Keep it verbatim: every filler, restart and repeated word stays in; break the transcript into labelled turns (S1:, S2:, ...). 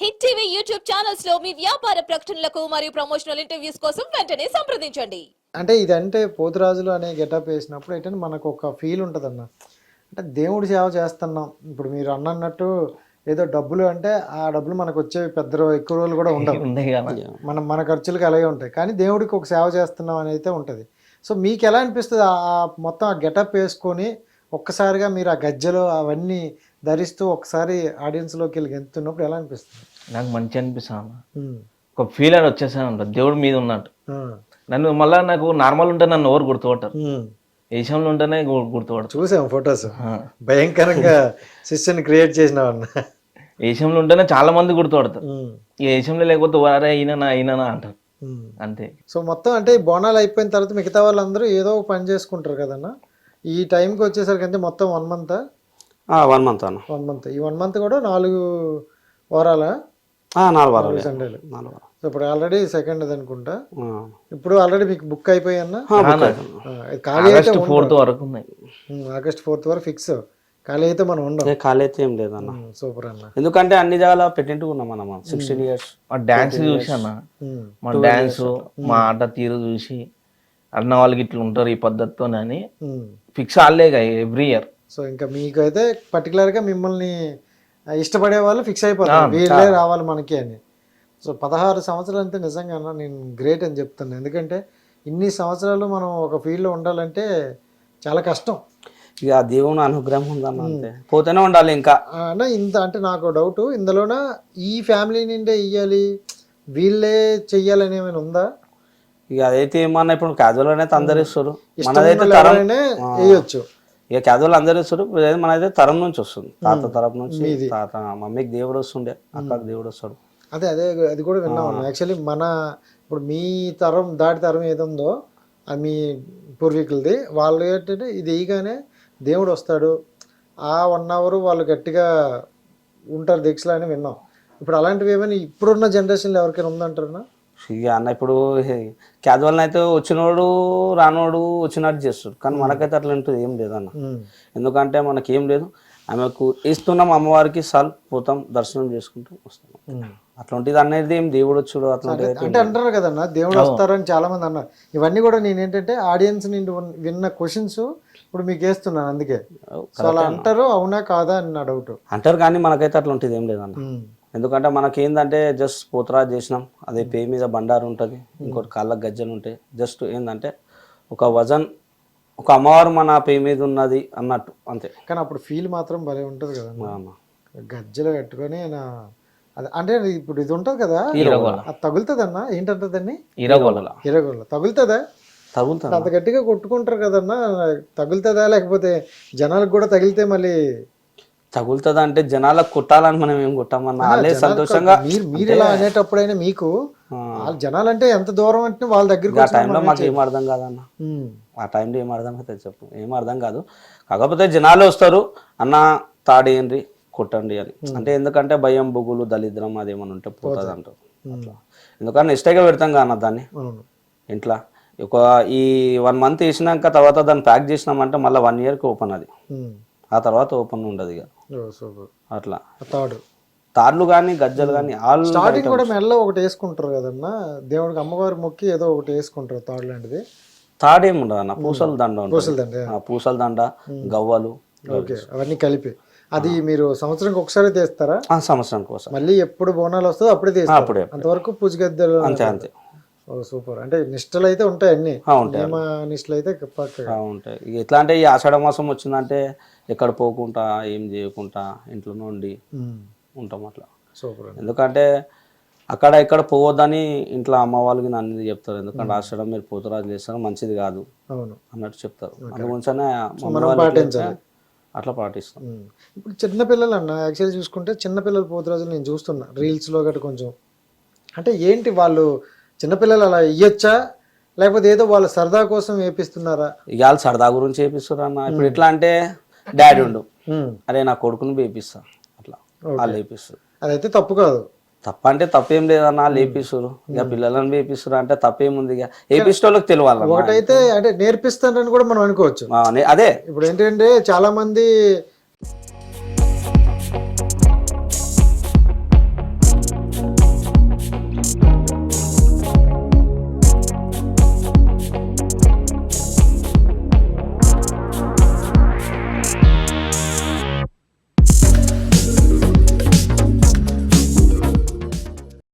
S1: Hit TV YouTube channels లో మీ వ్యాపార ప్రకటనలకు మరియు ప్రమోషనల్ ఇంటర్వ్యూస్ కోసం వెంటనే సంప్రదించండి.
S2: అంటే ఇదంటే పోతురాజులు అనే గెటప్ వేసినప్పుడు ఏంటంటే మనకు ఒక ఫీల్ ఉంటుంది అన్న. అంటే దేవుడి సేవ చేస్తున్నాం. ఇప్పుడు మీరు అన్నట్టు ఏదో డబ్బులు అంటే ఆ డబ్బులు మనకు వచ్చేవి పెద్ద ఎక్కువ రోజులు కూడా ఉండవు, మనం మన ఖర్చులకు అలాగే ఉంటాయి. కానీ దేవుడికి ఒక సేవ చేస్తున్నాం అని అయితే ఉంటుంది. సో మీకు ఎలా అనిపిస్తుంది ఆ మొత్తం ఆ గెటప్ వేసుకొని ఒక్కసారిగా మీరు ఆ గజ్జలు అవన్నీ ధరిస్తూ ఒకసారి ఆడియన్స్లోకి వెళ్ళి గెంతున్నప్పుడు ఎలా అనిపిస్తుంది?
S3: నాకు మంచి అనిపిస్తాను, ఒక ఫీల్ అని వచ్చేసాను ఉంటుంది దేవుడి మీద ఉన్నట్టు. నన్ను మళ్ళీ నాకు నార్మల్ ఉంటే నన్ను ఎవరు గుర్తుపట్టారు, ఏషంలో ఉంటేనే గుర్తుపడతారు.
S2: చూసాం ఫొటోస్, భయంకరంగా సిస్టర్ని క్రియేట్ చేసినావన్న.
S3: ఏషంలో ఉంటేనే చాలా మంది గుర్తుపడతారు, ఈ ఏషంలో లేకపోతే వారే అయినా అయినా అంటారు అంతే.
S2: సో మొత్తం అంటే బోనాలు అయిపోయిన తర్వాత మిగతా వాళ్ళందరూ ఏదో ఒక పని చేసుకుంటారు కదన్న. ఈ టైంకి వచ్చేసరికి అంటే మొత్తం వన్ మంత్
S4: వన్ మంత్ అన్న
S2: వన్ మంత్ ఈ వన్ మంత్ కూడా నాలుగు వారాల
S4: నాలుగు వారాలు
S2: సండేలు.
S4: నాలుగు వారాలు.
S2: సో ఇప్పుడు ఆల్రెడీ సెకండ్ అది అనుకుంటా. ఇప్పుడు ఆల్రెడీ మీకు బుక్ అయిపోయాన్న ఖాళీ అయితే
S3: ఫోర్త్ వరకు ఉన్నాయి,
S2: ఆగస్ట్ ఫోర్త్ వరకు ఫిక్స్. ఖాళీ అయితే మనం ఉండవు,
S4: ఖాళీ అయితే ఏం లేదన్న.
S2: సూపర్ అన్న.
S4: ఎందుకంటే అన్ని జాగాల పెట్టింటూ ఉన్నాం మనం సిక్స్టీన్ ఇయర్స్.
S3: మా డాన్స్ చూసి అన్న, మా డాన్స్ మా ఆట తీరు చూసి అన్న వాళ్ళకి ఇట్లా ఉంటారు ఈ పద్ధతితో అని ఫిక్స్ ఆడలేగా ఎవ్రీ ఇయర్.
S2: సో ఇంకా మీకు అయితే పర్టికులర్గా మిమ్మల్ని ఇష్టపడే వాళ్ళు ఫిక్స్ అయిపోతారు వీళ్ళే రావాలి మనకి అని. సో పదహారు సంవత్సరాలు అంటే నిజంగా నేను గ్రేట్ అని చెప్తాను. ఎందుకంటే ఇన్ని సంవత్సరాలు మనం ఒక ఫీల్డ్లో ఉండాలంటే చాలా కష్టం.
S4: ఇక దేవుని అనుగ్రహం ఉందన్న, అంతే పోతూనే ఉండాలి ఇంకా
S2: అన్న. ఇంత అంటే నాకు డౌట్, ఇందులోన ఈ ఫ్యామిలీ నిండే ఇయ్యాలి వీళ్ళే చెయ్యాలని ఏమైనా ఉందా?
S4: ఇక అదైతే ఏమన్నా ఇప్పుడు క్యాజువల్ అనేది అందరు ఇస్తారు, మనదైతే తరం
S2: వేయచ్చు.
S4: ఇక క్యాజువల్ అందరు ఇస్తారు, మనైతే తరం నుంచి వస్తుంది, తాత తరం నుంచి. తాత మమ్మీకి దేవుడు వస్తుండే, అక్కకి దేవుడు వస్తాడు.
S2: అదే అదే అది కూడా విన్నాం. యాక్చువల్లీ మన ఇప్పుడు మీ తరం దాటి తరం ఏదుందో అది మీ పూర్వీకులది, వాళ్ళు ఏంటంటే ఇది వేయగానే దేవుడు వస్తాడు, ఆ వన్ అవర్ వాళ్ళు గట్టిగా ఉంటారు దీక్షలు అని విన్నాం. ఇప్పుడు అలాంటివి ఏమైనా ఇప్పుడున్న జనరేషన్లో ఎవరికైనా ఉందంటారా?
S4: ఇక అన్న ఇప్పుడు క్యాజువల్ అయితే వచ్చినోడు రానోడు వచ్చినట్టు చేస్తాడు, కానీ మనకైతే అట్లా ఉంటుంది ఏం లేదన్న. ఎందుకంటే మనకి ఏం లేదు, ఆమెకు ఇస్తున్నాం అమ్మవారికి సాల్ పోతాం దర్శనం చేసుకుంటూ వస్తాం. అట్లాంటిది అనేది ఏం దేవుడు వచ్చాడు అట్లాంటిది
S2: అంటే అంటారు కదన్న, దేవుడు వస్తారని చాలా మంది అన్నారు. ఇవన్నీ కూడా నేను ఏంటంటే ఆడియన్స్ నుండి విన్న క్వశ్చన్స్ ఇప్పుడు మీకు వేస్తున్నాను, అందుకే. సో అలా అంటారు, అవునా కాదా అని నా డౌట్.
S4: అంటారు కానీ మనకైతే అట్లాంటిది ఏం లేదన్న. ఎందుకంటే మనకేందంటే జస్ట్ పోతరాజు చేసినాం, అదే పే మీద బండారు ఉంటుంది, ఇంకోటి కాళ్ళకు గజ్జలు ఉంటాయి. జస్ట్ ఏంటంటే ఒక వజన్, ఒక అమ్మవారు మన పే మీద ఉన్నది అన్నట్టు అంతే.
S2: కానీ అప్పుడు ఫీల్ మాత్రం భలే ఉంటుంది కదా, గజ్జలు కట్టుకొని నా అది. అంటే ఇప్పుడు ఇది ఉంటుంది కదా, అది తగులుతుంది అన్న, ఏంటంటే దాన్ని
S3: ఇరగోల
S2: ఇరగోల తగులుతుందా?
S4: తగులుతుంది.
S2: అంత గట్టిగా కొట్టుకుంటారు కదన్నా, తగులుతుందా? లేకపోతే జనాలకు కూడా తగిలితే మళ్ళీ
S4: తగులుతుంది అంటే జనాలకు కొట్టాలని మనం ఏం కొట్టామన్నా, వాళ్ళే సంతోషంగా.
S2: మీరు మీరు ఇలా అనేటప్పుడైనా మీకు జనాలు అంటే ఎంత దూరం అంటే వాళ్ళ దగ్గర
S4: ఆ టైంలో మాకు ఏం అర్థం కాదన్న, ఆ టైంలో ఏం అర్థం అవుతుంది చెప్పు, ఏం అర్థం కాదు. కాకపోతే జనాలు వస్తారు అన్న తాడేయండి కొట్టండి అని, అంటే ఎందుకంటే భయం బొగులు దళిద్రం అదేమని ఉంటే పోతుంది అంటారు. అట్లా ఎందుకంటే నిష్టగా పెడతాం కదా దాన్ని ఇంట్లో. ఒక ఈ వన్ మంత్ వేసినాక తర్వాత దాన్ని ప్యాక్ చేసినామంటే మళ్ళీ వన్ ఇయర్కి ఓపెన్ అది, ఆ తర్వాత ఓపెన్ ఉండదు ఇక అట్లా.
S2: తాడు
S4: తాళ్ళు కానీ గజ్జలు కానీ ఆల్
S2: స్టార్టింగ్ కూడా మెల్ల ఒకటి వేసుకుంటారు కదన్నా, దేవుడికి అమ్మవారి మొక్కి ఏదో ఒకటి వేసుకుంటారు తాడు లాంటిది.
S4: తాడేముండదు అన్న, పూసల దండ
S2: పూసల దండ
S4: పూసల దండ గవ్వలు
S2: అవన్నీ కలిపి. అది మీరు సంవత్సరానికి ఒకసారి తీస్తారా?
S4: సంవత్సరానికి ఒకసారి.
S2: మళ్ళీ ఎప్పుడు బోనాలు వస్తుందో అప్పుడే తీస్తారు, అప్పుడే. అంతవరకు పూజ గద్దెలు
S4: అంతే అంతే.
S2: సూపర్. అంటే నిష్టలు అయితే ఉంటాయి, అన్ని నియమ నిష్టలు అయితే
S4: ఉంటాయి. ఎట్లా అంటే ఈ ఆషాఢ మాసం వచ్చిందంటే ఎక్కడ పోకుండా ఏం చేయకుండా ఇంట్లో నుండి ఉంటాం అట్లా.
S2: సూపర్.
S4: ఎందుకంటే అక్కడ ఇక్కడ పోవద్దని ఇంట్లో అమ్మ వాళ్ళకి అన్ని చెప్తారు, ఎందుకంటే ఆషాఢం మీరు పోతురాజు చేస్తారు మంచిది కాదు అన్నట్టు చెప్తారు. అందుగురించనే
S2: పాటించాలి,
S4: అట్లా పాటిస్తాం.
S2: ఇప్పుడు చిన్నపిల్లలు అన్న యాక్చువల్లీ చూసుకుంటే చిన్నపిల్లలు పోతురాజులు నేను చూస్తున్నా రీల్స్లో గట్రా కొంచెం. అంటే ఏంటి వాళ్ళు చిన్నపిల్లలు అలా ఇయ్యొచ్చా, లేకపోతే ఏదో వాళ్ళ సరదా కోసం వేపిస్తున్నారా?
S4: ఇక వాళ్ళు సరదా గురించి వేపిస్తారు అన్న. ఇప్పుడు ఎట్లా అంటే డాడీ ఉండు, అరే నా కొడుకుని వేపిస్తా అట్లా వాళ్ళు వేపిస్తారు.
S2: అదైతే తప్పు కాదు.
S4: తప్ప అంటే తప్పేం లేదన్న, లేపిస్తారు. ఇక పిల్లలను వేపిస్తారు అంటే తప్పేముంది, ఇక వేపిస్తే వాళ్ళకి తెలియాలి.
S2: ఒకటైతే అంటే నేర్పిస్తారని కూడా మనం అనుకోవచ్చు.
S4: అదే
S2: ఇప్పుడు ఏంటంటే చాలా మంది